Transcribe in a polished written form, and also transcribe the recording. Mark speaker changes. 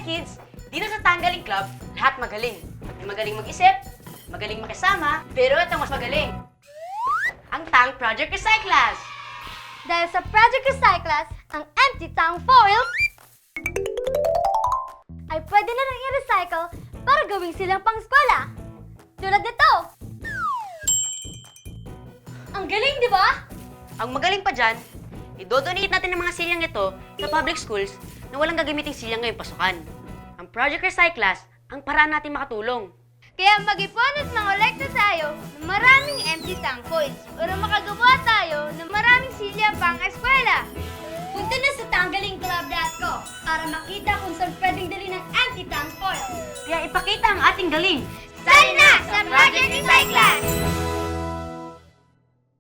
Speaker 1: kids, dito sa Tanggaling Club, lahat magaling. May magaling mag-isip, magaling makisama, pero ito mas magaling. Ang Tang Project Recyclas.
Speaker 2: Dahil sa Project Recyclas, ang empty tang foils ay pwede na rin i-recycle para gawing silang pang-eskwela. Tulad nito. Ang galing, di ba?
Speaker 1: Ang magaling pa dyan, idodonate natin ng mga silyang ito sa public schools na walang gagamiting silyang ngayong pasukan. Ang Project Recyclas ang paraan natin makatulong.
Speaker 2: Kaya mag-ipon at mangolekta tayo ng maraming empty tang foils para makagawa tayo ng maraming silya pang-eskwela. Punta na sa tanggalingclub.co para makita kung saan pwedeng dali ng empty tang foils.
Speaker 1: Kaya ipakita ang ating galing.
Speaker 2: Sign na sa Project Recyclas!